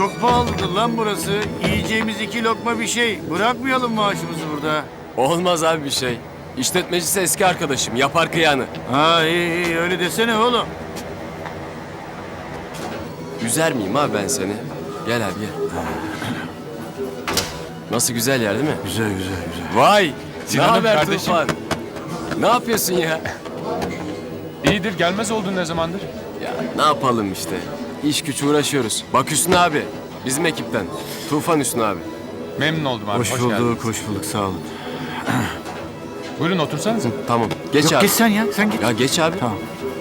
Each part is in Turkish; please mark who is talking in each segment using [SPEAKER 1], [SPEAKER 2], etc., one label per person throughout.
[SPEAKER 1] çok pahalıdır lan burası. Yiyeceğimiz 2 lokma bir şey. Bırakmayalım maaşımızı burada.
[SPEAKER 2] Olmaz abi bir şey. İşletmecisi eski arkadaşım. Yapar kıyanı.
[SPEAKER 1] Ha iyi öyle desene oğlum.
[SPEAKER 2] Üzer miyim abi ben seni? Gel abi gel. Nasıl güzel yer değil mi?
[SPEAKER 1] Güzel güzel güzel.
[SPEAKER 2] Vay! Ne
[SPEAKER 3] Sinan'ım
[SPEAKER 2] haber
[SPEAKER 3] kardeşim.
[SPEAKER 2] Tufan? Ne yapıyorsun ya?
[SPEAKER 3] İyidir, gelmez oldun ne zamandır?
[SPEAKER 2] Ya ne yapalım işte. İş güç uğraşıyoruz. Bak Hüsnü abi. Bizim ekipten. Tufan Hüsnü abi.
[SPEAKER 3] Memnun oldum abi,
[SPEAKER 1] Hoş
[SPEAKER 3] hoş
[SPEAKER 1] bulduk,
[SPEAKER 3] geldiniz.
[SPEAKER 1] hoş bulduk. Sağ olun.
[SPEAKER 3] Buyurun otursanıza.
[SPEAKER 2] Tamam. Geç
[SPEAKER 1] Yok
[SPEAKER 2] abi.
[SPEAKER 1] geç sen ya, sen git.
[SPEAKER 2] Ya geç abi.
[SPEAKER 1] Tamam.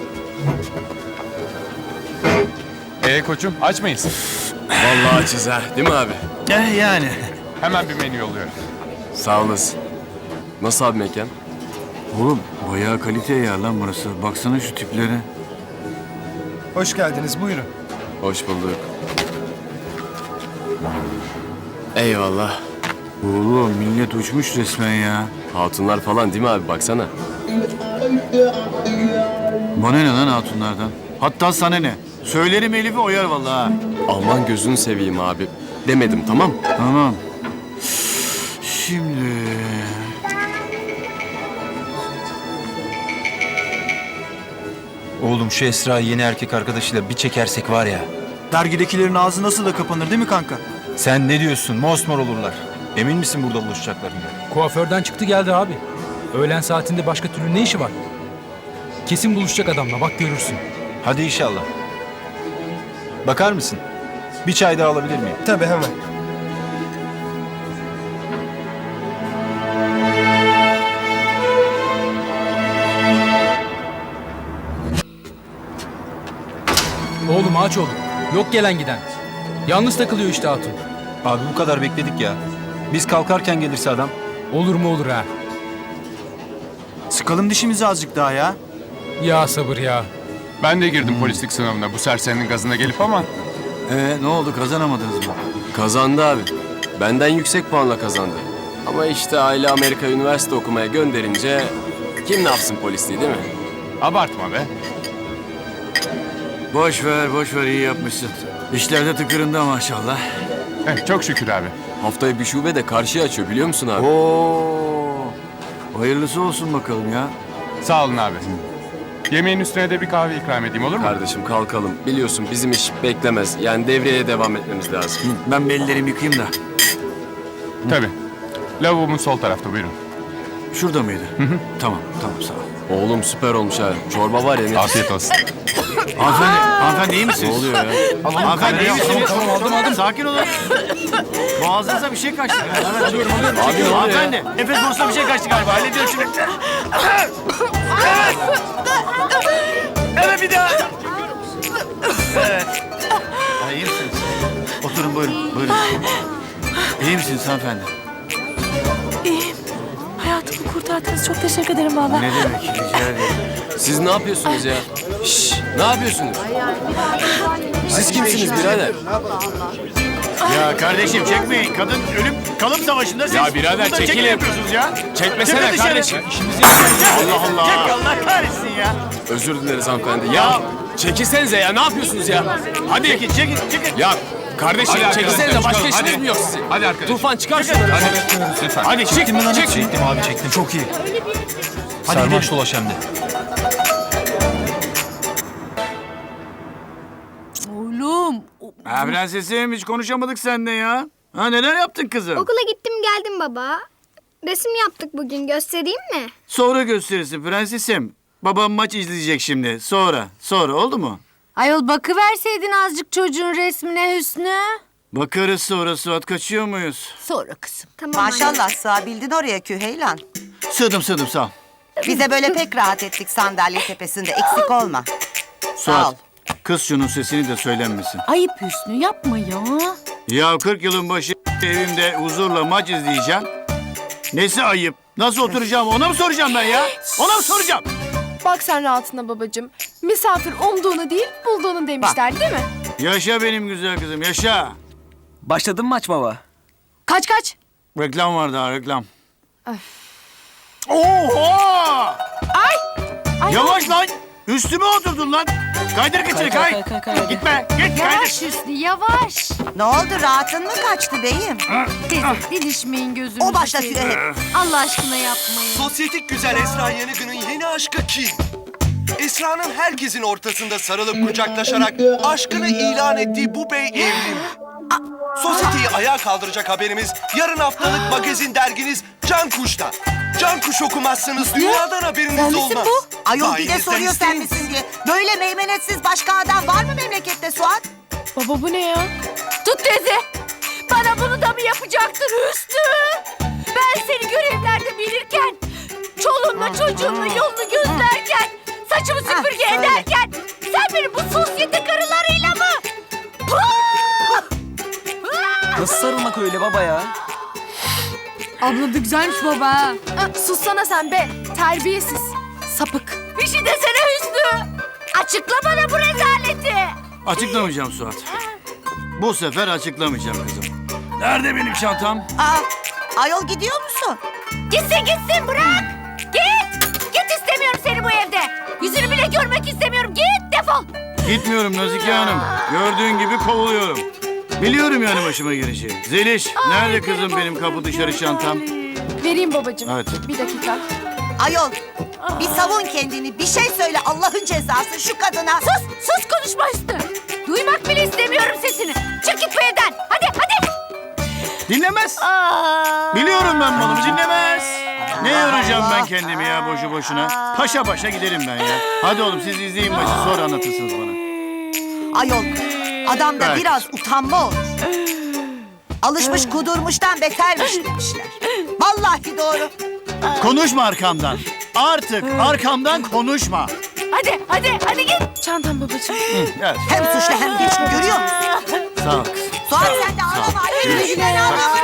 [SPEAKER 3] Koçum, aç mıyız?
[SPEAKER 2] Vallahi açız ha. Değil mi abi?
[SPEAKER 1] Yani.
[SPEAKER 3] Hemen bir menü yolluyorum.
[SPEAKER 2] Sağ olasın. Nasıl abi mekan?
[SPEAKER 1] Oğlum bayağı kalite yer lan burası. Baksana şu tiplere.
[SPEAKER 4] Hoş geldiniz, buyurun.
[SPEAKER 2] Hoş bulduk. Eyvallah.
[SPEAKER 1] Oğlum millet uçmuş resmen ya.
[SPEAKER 2] Hatunlar falan değil mi abi? Baksana.
[SPEAKER 1] Bana ne lan hatunlardan? Hatta sana ne? Söylerim Elif'i oyar vallahi ha.
[SPEAKER 2] Aman gözünü seveyim abi. Demedim tamam.
[SPEAKER 1] Tamam. Şimdi...
[SPEAKER 5] Oğlum şu Esra yeni erkek arkadaşıyla bir çekersek var ya.
[SPEAKER 4] Dergidekilerin ağzı nasıl da kapanır değil mi kanka?
[SPEAKER 5] Sen ne diyorsun? Mosmor olurlar. Emin misin burada buluşacaklarına?
[SPEAKER 6] Kuaförden çıktı geldi abi. Öğlen saatinde başka türlü ne işi var? Kesin buluşacak adamla, bak görürsün.
[SPEAKER 5] Hadi inşallah. Bakar mısın? Bir çay daha alabilir miyim?
[SPEAKER 4] Tabii hemen.
[SPEAKER 6] Oğlum aç oğlum. Yok gelen giden. Yalnız takılıyor işte hatun.
[SPEAKER 5] Abi bu kadar bekledik ya. Biz kalkarken gelirse adam.
[SPEAKER 6] Olur mu olur ha.
[SPEAKER 4] Sıkalım dişimizi azıcık daha ya.
[SPEAKER 6] Ya sabır ya.
[SPEAKER 3] Ben de girdim polislik sınavına bu serserinin gazına gelip ama...
[SPEAKER 1] Ne oldu kazanamadınız mı?
[SPEAKER 2] Kazandı abi. Benden yüksek puanla kazandı. Ama işte aile Amerika üniversite okumaya gönderince kim ne yapsın polisliği değil mi?
[SPEAKER 3] Abartma be.
[SPEAKER 1] Boş ver iyi yapmışsın. İşlerde tıkırında maşallah.
[SPEAKER 3] Çok şükür abi.
[SPEAKER 2] Haftaya bir şube de karşıya açıyor biliyor musun abi?
[SPEAKER 1] Oo. Hayırlısı olsun bakalım ya.
[SPEAKER 3] Sağ olun abi. Yemeğin üstüne de bir kahve ikram edeyim olur mu?
[SPEAKER 2] Kardeşim kalkalım. Biliyorsun bizim iş beklemez. Yani devreye devam etmemiz lazım.
[SPEAKER 1] Ben bir ellerimi yıkayayım da.
[SPEAKER 3] Tabii. Lavabomuz sol tarafta buyurun.
[SPEAKER 1] Şurada mıydı? Tamam sağ ol.
[SPEAKER 2] Oğlum süper olmuş ha. Çorba var ya ne?
[SPEAKER 3] Afiyet olsun.
[SPEAKER 1] Hanımefendi iyi misiniz?
[SPEAKER 2] Ne oluyor ya?
[SPEAKER 1] Hanımefendi iyi misiniz? Tamam aldım. Sakin olun. Boğazınıza bir şey kaçtı galiba. Alıyorum.
[SPEAKER 2] Abi ne oluyor ya?
[SPEAKER 1] Hanımefendi nefes borusuna bir şey kaçtı galiba. Hallediyorum şimdi. Evet bir daha. Evet. Ha, iyi misiniz? Oturun buyurun. İyi misiniz hanımefendi?
[SPEAKER 7] İyiyim. Hayatımı kurtardınız. Çok teşekkür ederim valla.
[SPEAKER 1] Ne demek? Rica ederim.
[SPEAKER 2] Siz ne yapıyorsunuz ya? Şşş, ne yapıyorsunuz? Siz kimsiniz birader?
[SPEAKER 1] Ya kardeşim çekmeyin. Kadın ölüm kalım savaşında siz
[SPEAKER 3] Ya birader,
[SPEAKER 1] burada çekim
[SPEAKER 3] çekilin.
[SPEAKER 1] yapıyorsunuz ya.
[SPEAKER 3] Çekmesene
[SPEAKER 1] Çıkın dışarı.
[SPEAKER 3] kardeşim.
[SPEAKER 1] Allah Allah. Çek Allah kahretsin ya.
[SPEAKER 2] Özür dileriz hanımefendi. Ya çekilsenize ya ne yapıyorsunuz ya? Hadi.
[SPEAKER 1] Çekin.
[SPEAKER 2] Ya kardeşim
[SPEAKER 3] Hadi
[SPEAKER 2] çekilsenize
[SPEAKER 3] arkadaşlar,
[SPEAKER 2] başka
[SPEAKER 3] çıkalım,
[SPEAKER 2] işiniz
[SPEAKER 3] hadi.
[SPEAKER 2] mi yok sizin?
[SPEAKER 3] Hadi arkadaşlar.
[SPEAKER 2] Tufan çıkar şunları.
[SPEAKER 3] Hadi lütfen.
[SPEAKER 2] Hadi çık
[SPEAKER 4] Çektim mi lan?
[SPEAKER 2] çık.
[SPEAKER 5] Çektim abi çektim. Çok iyi.
[SPEAKER 4] Hadi
[SPEAKER 5] Sarmaş
[SPEAKER 4] gidelim.
[SPEAKER 5] dolaş hem de.
[SPEAKER 7] Oğlum.
[SPEAKER 1] Ha prensesim hiç konuşamadık seninle ya. Ha neler yaptın kızım?
[SPEAKER 8] Okula gittim geldim baba. Resim yaptık bugün, göstereyim mi?
[SPEAKER 1] Sonra gösterirsin prensesim. Babam maç izleyecek şimdi. Sonra oldu mu?
[SPEAKER 7] Ayol bakıverseydin azıcık çocuğun resmine Hüsnü.
[SPEAKER 1] Bakarız sonra Suat kaçıyor muyuz?
[SPEAKER 7] Sonra kızım.
[SPEAKER 8] Tamam anne.
[SPEAKER 9] Maşallah sığabildin oraya Küheylan.
[SPEAKER 1] Sığdım sağ ol.
[SPEAKER 9] Bize böyle pek rahat ettik sandalye tepesinde. Eksik olma. Sağ ol.
[SPEAKER 1] Suat kız şunun sesini de söylenmesin.
[SPEAKER 7] Ayıp Hüsnü yapma ya.
[SPEAKER 1] Ya 40 yılın başı evimde huzurla maç izleyeceğim. Nesi ayıp? Nasıl oturacağım ona mı soracağım ben ya? Ona mı soracağım?
[SPEAKER 10] Bak sen rahatına babacığım. Misafir umduğunu değil, bulduğunu demişler değil mi?
[SPEAKER 1] Yaşa benim güzel kızım yaşa.
[SPEAKER 4] Başladın mı maç baba?
[SPEAKER 7] Kaç.
[SPEAKER 1] Reklam var daha reklam. Oha!
[SPEAKER 10] Ay,
[SPEAKER 1] Yavaş lan! Üstüme oturdun lan. Kaydır kıçını kay. Gitme. Git kaydır.
[SPEAKER 10] Yavaş Hüsnü yavaş.
[SPEAKER 9] Ne oldu, rahatın mı kaçtı beyim?
[SPEAKER 10] Teyze didişmeyin gözünüzü.
[SPEAKER 9] O başlatıyor
[SPEAKER 10] seveyim.
[SPEAKER 9] hep.
[SPEAKER 10] Allah aşkına yapmayın.
[SPEAKER 11] Sosyetik güzel Esra Yanık'ın yeni aşkı kim? Esra'nın herkesin ortasında sarılıp kucaklaşarak aşkını ilan ettiği bu bey evli mi? Sosyeteyi ayağa kaldıracak haberimiz yarın haftalık magazin derginiz Can Kuş'ta. Can Kuş okumazsanız dünyadan haberiniz
[SPEAKER 10] Sen misin
[SPEAKER 11] olmaz.
[SPEAKER 10] bu?
[SPEAKER 9] Ayol bir de
[SPEAKER 11] Sayenizden
[SPEAKER 9] soruyor sen
[SPEAKER 11] isteyiniz.
[SPEAKER 9] misin diye. Böyle meymenetsiz başka adam var mı memlekette Suat?
[SPEAKER 10] Baba bu ne ya?
[SPEAKER 7] Tut teyze. Bana bunu da mı yapacaktın Hüsnü? Ben seni görevlerde bilirken, çoluğunla çocuğunla yolunu gözlerken, saçımı süpürge
[SPEAKER 9] söyle.
[SPEAKER 7] ederken, sen benim bu sosyete karılarıyla mı? Puh!
[SPEAKER 4] Nasıl sarılmak öyle baba ya?
[SPEAKER 10] Abla da güzelmiş baba ha. Sussana sen be. Terbiyesiz. Sapık.
[SPEAKER 7] Bir şey desene Hüsnü. Açıkla bana bu rezaleti.
[SPEAKER 1] Açıklamayacağım Suat. Bu sefer açıklamayacağım kızım. Nerede benim çantam?
[SPEAKER 9] Ayol gidiyor musun?
[SPEAKER 7] Gitsin bırak. Git. Git istemiyorum seni bu evde. Yüzünü bile görmek istemiyorum. Git defol.
[SPEAKER 1] Gitmiyorum Nazike Hanım. Gördüğün gibi kovuluyorum. Biliyorum yani başıma geleceği. Zeliş, nerede kızım benim kapı dışarı çantam?
[SPEAKER 10] Vereyim babacığım.
[SPEAKER 1] Evet.
[SPEAKER 10] Bir dakika.
[SPEAKER 9] Ayol bir savun kendini, bir şey söyle Allah'ın cezası şu kadına.
[SPEAKER 7] Sus konuşma Hüsnü. Duymak bile istemiyorum sesini. Çık git bu evden. Hadi.
[SPEAKER 1] Dinlemez. Biliyorum ben malımı dinlemez. Ne yoracağım ben kendimi ya boşu boşuna. Paşa paşa giderim ben ya. Hadi oğlum siz izleyin maçı sonra anlatırsınız bana.
[SPEAKER 9] Ayol adamda
[SPEAKER 1] Evet.
[SPEAKER 9] biraz utanma olur. Alışmış kudurmuştan betermiş demişler. Vallahi doğru.
[SPEAKER 1] Konuşma arkamdan. Artık arkamdan konuşma.
[SPEAKER 7] Hadi git.
[SPEAKER 10] Çantam babacığım.
[SPEAKER 1] Gel.
[SPEAKER 9] Hem suçlu hem geçti görüyor musun?
[SPEAKER 1] Sağ ol kızım.
[SPEAKER 9] Suat sen de ağlama.
[SPEAKER 1] Yürü.
[SPEAKER 9] Güle güle ağlama.